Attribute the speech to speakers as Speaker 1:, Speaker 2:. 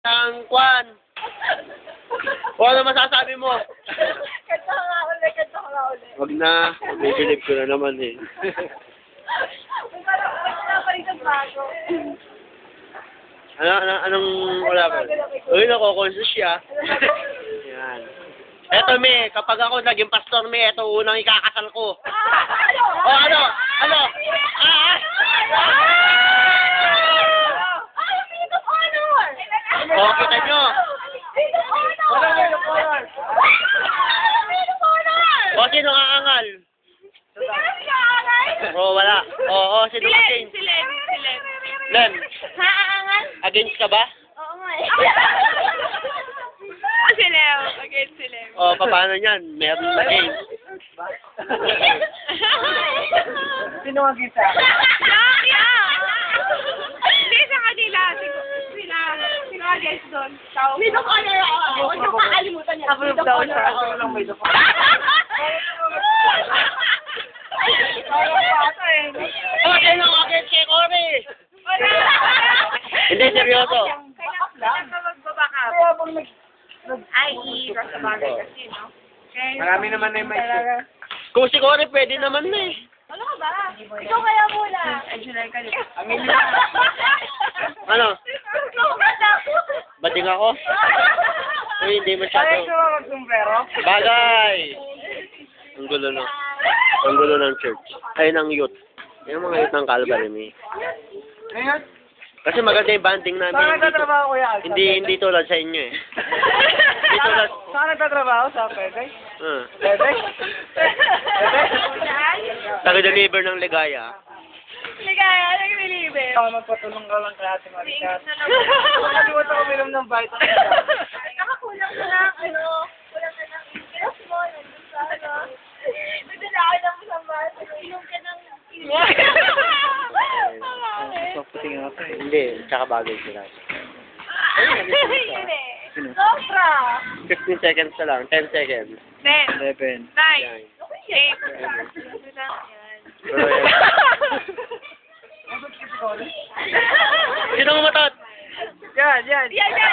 Speaker 1: Ang kwan. O ano masasabi mo?
Speaker 2: Kanta ka nga ulit, kanta ka nga ulit.
Speaker 1: Wag na. Bibilib ko na naman eh.
Speaker 2: Wala pa rin ang bago.
Speaker 1: Anong wala ba? Uy, nako-conscious siya. Yan. Eto, me, kapag ako naging pastor, me, eto unang ikakasal ko. O, ano? Ano? O, kita nyo. O, sino aangal? O, wala. O, sino against?
Speaker 2: Si Len.
Speaker 1: Len,
Speaker 2: Aangal?
Speaker 1: against ka ba?
Speaker 2: Oo nga eh. Si Leo. Against si Leo.
Speaker 1: O, paano yan? Meron against.
Speaker 2: Sino ang gisa? Hindi sa kanila. Sino ang guest doon? Sino ka na ako? Huwag yung kakalimutan niya.
Speaker 3: Approve daw siya. Ako lang may doko.
Speaker 1: O, sino against kay Cory? Hindi, seryoso.
Speaker 2: Kailangan ka magbabaka. Ay, i-cross the boundary kasi, no?
Speaker 3: Marami naman na yung may
Speaker 1: Kung si Cory, pwede naman na eh.
Speaker 2: Ano ka ba? Ikaw kaya muna.
Speaker 1: Ano? Bading ako? Uy, hindi masyado.
Speaker 3: magsumbrero?
Speaker 1: Bagay! Ang gulo no. Ang gulo ng church. Ay, ng youth. Yung mga youth ng Calvary, may.
Speaker 3: Ngayon?
Speaker 1: Kasi maganda yung banding namin.
Speaker 3: Saan nagtatrabaho kuya?
Speaker 1: Hindi tulad sa inyo eh. Hindi tulad.
Speaker 3: Saan nagtatrabaho? Sa Pwede?
Speaker 1: Uh,
Speaker 3: Pwede?
Speaker 1: Taga-deliver ng ligaya.
Speaker 2: Ligaya, nag-deliver.
Speaker 3: Ako magpatulong ka lang kay Ate Maricat. Nakalimutan ko uminom ng vitamin.
Speaker 2: Nakakulang ka ng kulang ka ng interest mo, nandun sa nagdala ka ng isang baso, inom ka ng
Speaker 3: Puting nga ito eh.
Speaker 1: Hindi, tsaka bagay sila.
Speaker 2: Yun eh. Sobra.
Speaker 1: 15 seconds na lang, 10 seconds.
Speaker 2: 10,
Speaker 3: 11.
Speaker 2: 9, 8,
Speaker 1: Yan. Sino matot?
Speaker 3: Yan, yan.
Speaker 2: Yan, yan.